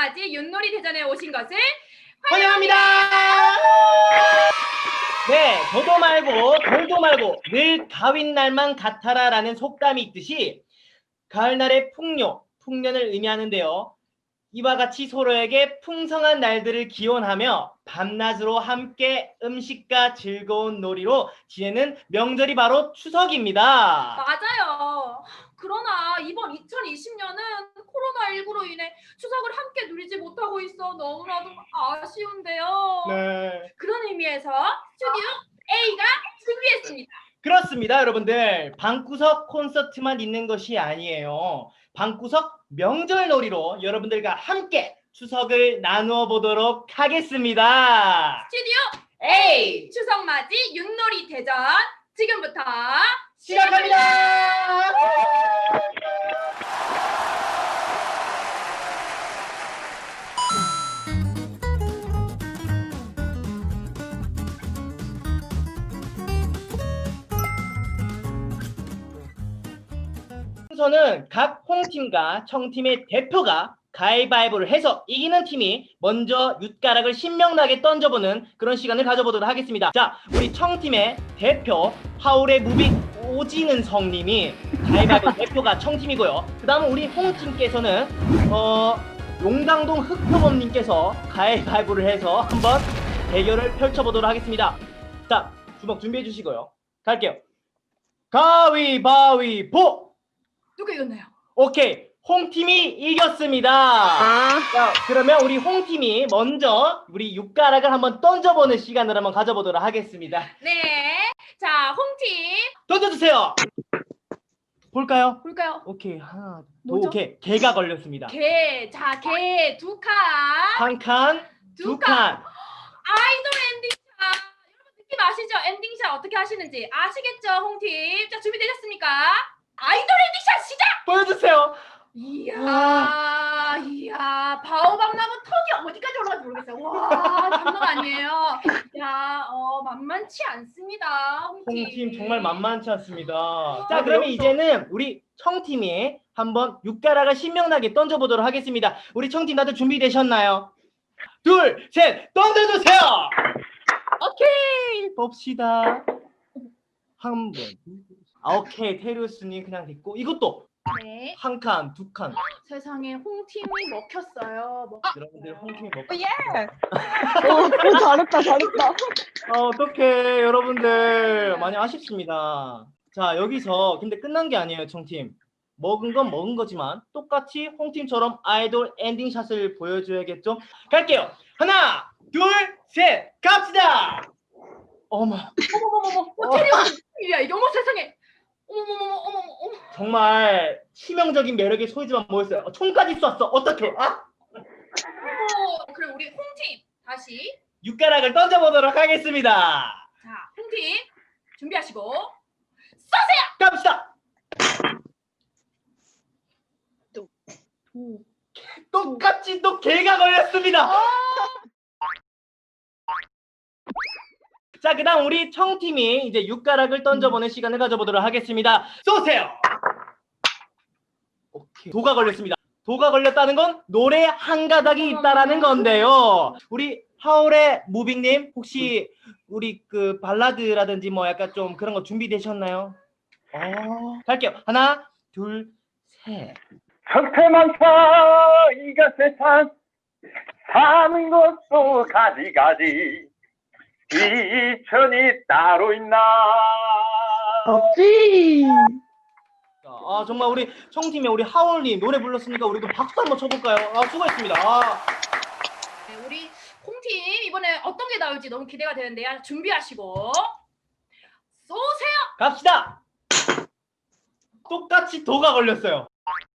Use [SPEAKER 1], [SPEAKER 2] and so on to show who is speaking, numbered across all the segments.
[SPEAKER 1] 추석맞이 윷놀이 대전에 오신 것을
[SPEAKER 2] 환영합니다. 네, 저도 말고 돌도 말고 늘 가윈 날만 같아라라는 속담이 있듯이 가을날의 풍년을 의미하는데요. 이와 같이 서로에게 풍성한 날들을 기원하며 밤낮으로 함께 음식과 즐거운 놀이로 지내는 명절이 바로 추석입니다.
[SPEAKER 1] 맞아요. 그러나 이번 2020년은 코로나19로 인해 추석을 함께 누리지 못하고 있어 너무나도 아쉬운데요.
[SPEAKER 2] 네.
[SPEAKER 1] 그런 의미에서 스튜디오 A가 준비했습니다.
[SPEAKER 2] 그렇습니다, 여러분들. 방구석 콘서트만 있는 것이 아니에요. 방구석 명절놀이로 여러분들과 함께 추석을 나누어 보도록 하겠습니다.
[SPEAKER 1] 스튜디오 A 추석맞이 윷놀이 대전 지금부터
[SPEAKER 2] 시작합니다. 순서는 각 홍팀과 청팀의 대표가 가위바위보를 해서 이기는 팀이 먼저 윷가락을 신명나게 던져보는 그런 시간을 가져보도록 하겠습니다. 자, 우리 청팀의 대표 하울의 무빙 오지는 성님이 가위바위보 대표가 청팀이고요. 그 다음은 우리 홍팀께서는 용당동 흑표범님께서 가위바위보를 해서 한번 대결을 펼쳐보도록 하겠습니다. 자, 주먹 준비해 주시고요. 갈게요. 가위바위보!
[SPEAKER 1] 누가 이겼나요?
[SPEAKER 2] 오케이, 홍팀이 이겼습니다. 자, 그러면 우리 홍팀이 먼저 우리 윷가락을 한번 던져보는 시간을 한번 가져보도록 하겠습니다.
[SPEAKER 1] 네, 자 홍팀
[SPEAKER 2] 던져주세요. 볼까요?
[SPEAKER 1] 볼까요?
[SPEAKER 2] 오케이, 하나,
[SPEAKER 1] 뭐죠?
[SPEAKER 2] 오케이, 개가 걸렸습니다.
[SPEAKER 1] 개, 자 개 두 칸,
[SPEAKER 2] 한 칸, 두 칸.
[SPEAKER 1] 아이돌 엔딩샷. 여러분 느낌 아시죠? 엔딩샷 어떻게 하시는지 아시겠죠, 홍팀? 자 준비되셨습니까? 아이돌 엔딩샷 시작!
[SPEAKER 2] 보여주세요.
[SPEAKER 1] 이야, 바오박나무 턱이 어디까지 올라갈지 모르겠어요. 와, 장난 아니에요. 야, 만만치 않습니다, 홍팀.
[SPEAKER 2] 홍팀 정말 만만치 않습니다. 자, 그러면 이제는 우리 청팀이 한번 윷가락을 신명나게 던져보도록 하겠습니다. 우리 청팀 다들 준비되셨나요? 둘, 셋, 던져주세요. 오케이, 봅시다. 한 번. 오케이, 테리우스님 그냥 됐고, 이것도
[SPEAKER 1] 네.
[SPEAKER 2] 한 칸, 두 칸.
[SPEAKER 1] 세상에 홍팀이 먹혔어요.
[SPEAKER 2] 여러분들 홍팀이 먹고.
[SPEAKER 3] 예! 잘했다.
[SPEAKER 2] 어떡해, 여러분들 많이 아쉽습니다. 자, 여기서 근데 끝난 게 아니에요, 청팀. 먹은 건 먹은 거지만 똑같이 홍팀처럼 아이돌 엔딩샷을 보여줘야겠죠? 갈게요. 하나, 둘, 셋, 갑시다. 어머.
[SPEAKER 1] 테리우스야, 이게 어머 세상에. 어머.
[SPEAKER 2] 정말 치명적인 매력의 소유지만 모였어요. 총까지 쐈어. 어떡해? 아?
[SPEAKER 1] 그럼 우리 홍팀 다시.
[SPEAKER 2] 윷가락을 던져보도록 하겠습니다.
[SPEAKER 1] 자, 홍팀 준비하시고 쏘세요.
[SPEAKER 2] 갑시다. 똑같이 또 개가 걸렸습니다. 자, 그다음 우리 청팀이 이제 윷가락을 던져보는 시간을 가져보도록 하겠습니다. 쏘세요. 오케이. 도가 걸렸습니다. 도가 걸렸다는 건 노래 한 가닥이 있다라는 건데요. 우리 하울의 무빙님 혹시 우리 그 발라드라든지 뭐 약간 좀 그런 거 준비되셨나요? 갈게요. 하나, 둘, 셋.
[SPEAKER 4] 형태만사 이가 세상 사는 것도 가지가지 이천이 따로 있나
[SPEAKER 3] 없지.
[SPEAKER 2] 자, 정말 우리 청팀의 우리 하울님 노래 불렀으니까 우리도 박수 한번 쳐볼까요? 수고했습니다.
[SPEAKER 1] 네, 우리 홍팀 이번에 어떤 게 나올지 너무 기대가 되는데요. 준비하시고 쏘세요.
[SPEAKER 2] 갑시다. 똑같이 도가 걸렸어요.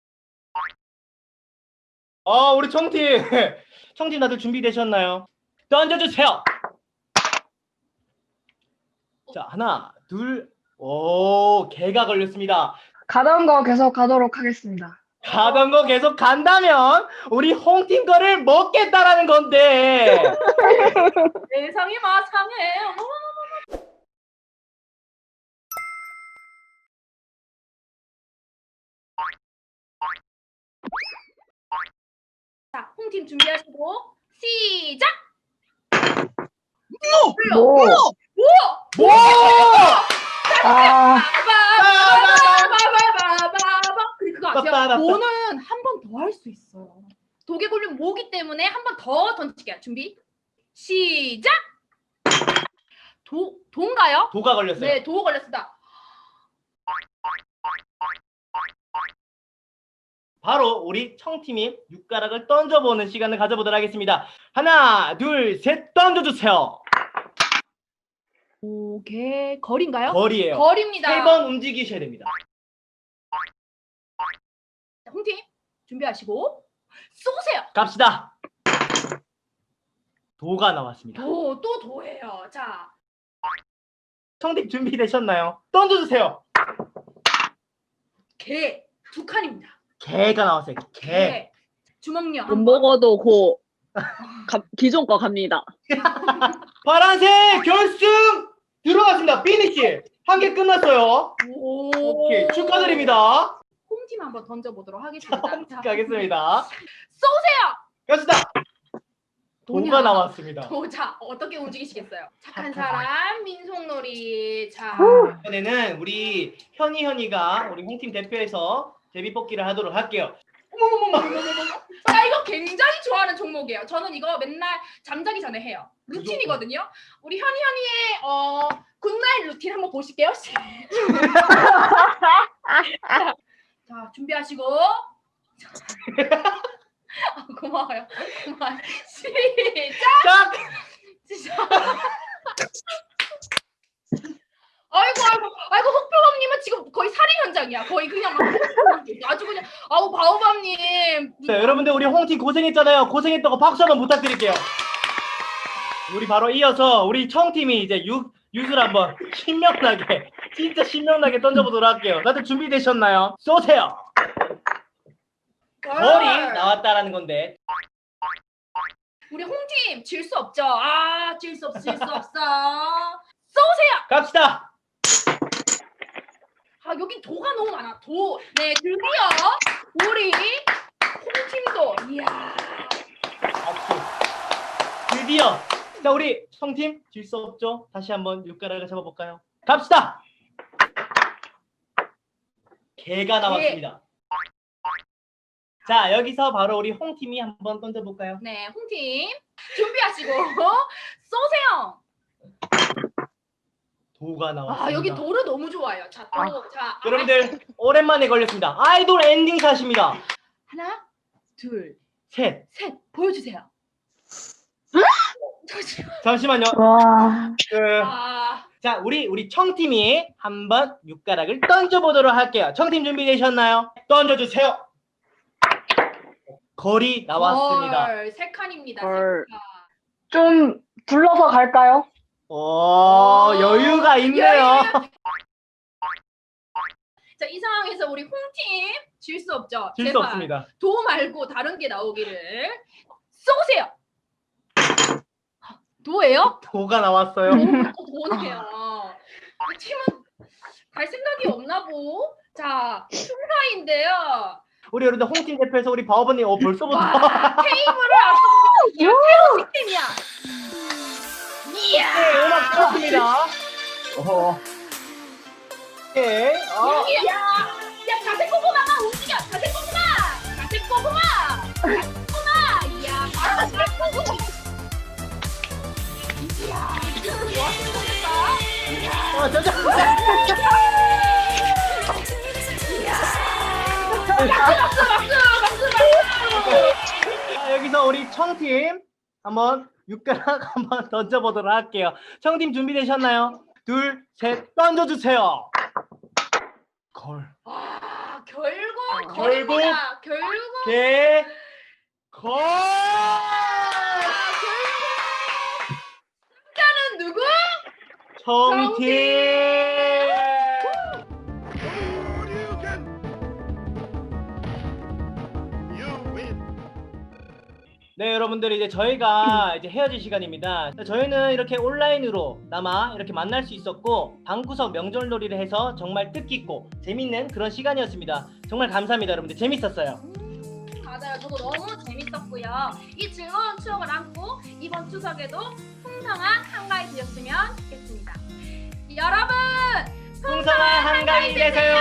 [SPEAKER 2] 우리 청팀 청팀 다들 준비되셨나요? 던져주세요. 자, 하나, 둘, 개가 걸렸습니다.
[SPEAKER 3] 가던 거 계속 가도록 하겠습니다.
[SPEAKER 2] 가던 거 계속 간다면 우리 홍팀 거를 먹겠다라는 건데.
[SPEAKER 1] 세상이 마상해. 자, 홍팀 준비하시고 시작.
[SPEAKER 3] 뭐?
[SPEAKER 1] 오!
[SPEAKER 3] 아,
[SPEAKER 1] 근데 그거 아세요? 모는 한 번 더 할 수 있어요. 독에 걸리면 모기 때문에 한 번 더 던질게요. 준비 시작. 도인가요?
[SPEAKER 2] 도가 걸렸어요.
[SPEAKER 1] 네, 도 걸렸습니다.
[SPEAKER 2] 바로 우리 청팀이 육가락을 던져보는 시간을 가져보도록 하겠습니다. 하나, 둘, 셋, 던져주세요.
[SPEAKER 1] 오개 거리인가요?
[SPEAKER 2] 거리예요.
[SPEAKER 1] 거리입니다.
[SPEAKER 2] 3번 움직이셔야 됩니다.
[SPEAKER 1] 홍팀 준비하시고 쏘세요.
[SPEAKER 2] 갑시다. 도가 나왔습니다.
[SPEAKER 1] 또 도예요. 자,
[SPEAKER 2] 청팀 준비되셨나요? 던져주세요.
[SPEAKER 1] 개 두 칸입니다.
[SPEAKER 2] 개가 나왔어요. 개.
[SPEAKER 1] 주먹요.
[SPEAKER 5] 못 먹어도 기존 거 갑니다.
[SPEAKER 2] 파란색 결승 들어갔습니다. 피니시. 한 개 끝났어요. 오케이, 축하드립니다.
[SPEAKER 1] 홈팀 한번 던져보도록 하겠습니다. 자,
[SPEAKER 2] 가겠습니다.
[SPEAKER 1] 쏘세요.
[SPEAKER 2] 갑시다. 도가
[SPEAKER 1] 도냐?
[SPEAKER 2] 나왔습니다.
[SPEAKER 1] 자, 어떻게 움직이시겠어요? 착한 사람 민속놀이. 자,
[SPEAKER 2] 이번에는 우리 현이가 우리 홍팀 대표에서 제비뽑기를 하도록 할게요.
[SPEAKER 1] 자, 이거 굉장히 좋아하는 종목이에요. 저는 이거 맨날 잠자기 전에 해요. 루틴이거든요. 우리 현이의 굿나잇 루틴 한번 보실게요. 자, 준비하시고. 고마워요. 시작.
[SPEAKER 2] 딱!
[SPEAKER 1] 시작. 아이고 흑표범님은 지금 거의 살인 현장이야. 거의 그냥 막 아주 그냥 아우 바오밤님.
[SPEAKER 2] 자, 여러분들 우리 홍팀 고생했잖아요. 고생했던 거 박수 한번 부탁드릴게요. 우리 바로 이어서 우리 청팀이 이제 유술 한번 신명나게 진짜 신명나게 던져보도록 할게요. 다들 준비되셨나요? 쏘세요. 거리 나왔다라는 건데
[SPEAKER 1] 우리 홍팀 질 수 없죠. 질 수 없어. 쏘세요.
[SPEAKER 2] 갑시다.
[SPEAKER 1] 여기 도가 너무 많아. 도. 네, 드디어 우리 홍팀도. 이야.
[SPEAKER 2] 박수. 드디어. 자, 우리 청팀 질 수 없죠. 다시 한번 육가락을 잡아볼까요? 갑시다. 개가 나왔습니다. 자, 여기서 바로 우리 홍팀이 한번 던져볼까요?
[SPEAKER 1] 네, 홍팀 준비하시고 쏘세요.
[SPEAKER 2] 도가 나왔습니다.
[SPEAKER 1] 여기 도를 너무 좋아요. 자, 도. 자,
[SPEAKER 2] 여러분들 오랜만에 걸렸습니다. 아이돌 엔딩샷입니다.
[SPEAKER 1] 하나, 둘,
[SPEAKER 2] 셋.
[SPEAKER 1] 셋. 보여주세요.
[SPEAKER 2] 잠시만요.
[SPEAKER 3] 와.
[SPEAKER 2] 자, 우리 청팀이 한번 육가락을 던져보도록 할게요. 청팀 준비되셨나요? 던져주세요. 거리 나왔습니다.
[SPEAKER 1] 세 칸입니다.
[SPEAKER 5] 헐.
[SPEAKER 1] 세 칸.
[SPEAKER 3] 좀 둘러서 갈까요?
[SPEAKER 2] 오, 여유가 있네요.
[SPEAKER 1] 자, 이 상황에서 우리 홍팀 질 수 없죠.
[SPEAKER 2] 질 수
[SPEAKER 1] 제발
[SPEAKER 2] 없습니다.
[SPEAKER 1] 도 말고 다른 게 나오기를. 쏘세요. 도예요?
[SPEAKER 2] 도가 나왔어요.
[SPEAKER 1] 도네요. 이 팀은 갈 생각이 없나 보. 자, 흉사인데요.
[SPEAKER 2] 우리 여러분들 홍팀 대표에서 우리 바오버님 벌써부터
[SPEAKER 1] 와, 테이블을 앞서고 새로운 시스템이야. 이야.
[SPEAKER 2] 네, 음악 들었습니다. 네,
[SPEAKER 1] 야, 자색 고구마가 움직여. 자색 고구마. 자색 고구마. 자색 고구마. 이야, 바로 자색 고구마. 이야, 이거 뭐 하는 겁니까?
[SPEAKER 2] 저저.
[SPEAKER 1] 박수.
[SPEAKER 2] 자, 여기서 우리 청팀 한번 육가락 한번 던져보도록 할게요. 청팀 준비되셨나요? 둘, 셋, 던져주세요. 걸.
[SPEAKER 1] 결국
[SPEAKER 2] 결국
[SPEAKER 1] 거리입니다. 결국
[SPEAKER 2] 개. 걸.
[SPEAKER 1] 승자는 누구?
[SPEAKER 2] 청팀. 네, 여러분들 이제 저희가 이제 헤어질 시간입니다. 저희는 이렇게 온라인으로 나마 이렇게 만날 수 있었고 방구석 명절놀이를 해서 정말 뜻깊고 재밌는 그런 시간이었습니다. 정말 감사합니다, 여러분들. 재밌었어요.
[SPEAKER 1] 맞아요. 저도 너무 재밌었고요. 이 즐거운 추억을 안고 이번 추석에도 풍성한 한가위 되셨으면 좋겠습니다. 여러분,
[SPEAKER 2] 풍성한 한가위 되세요.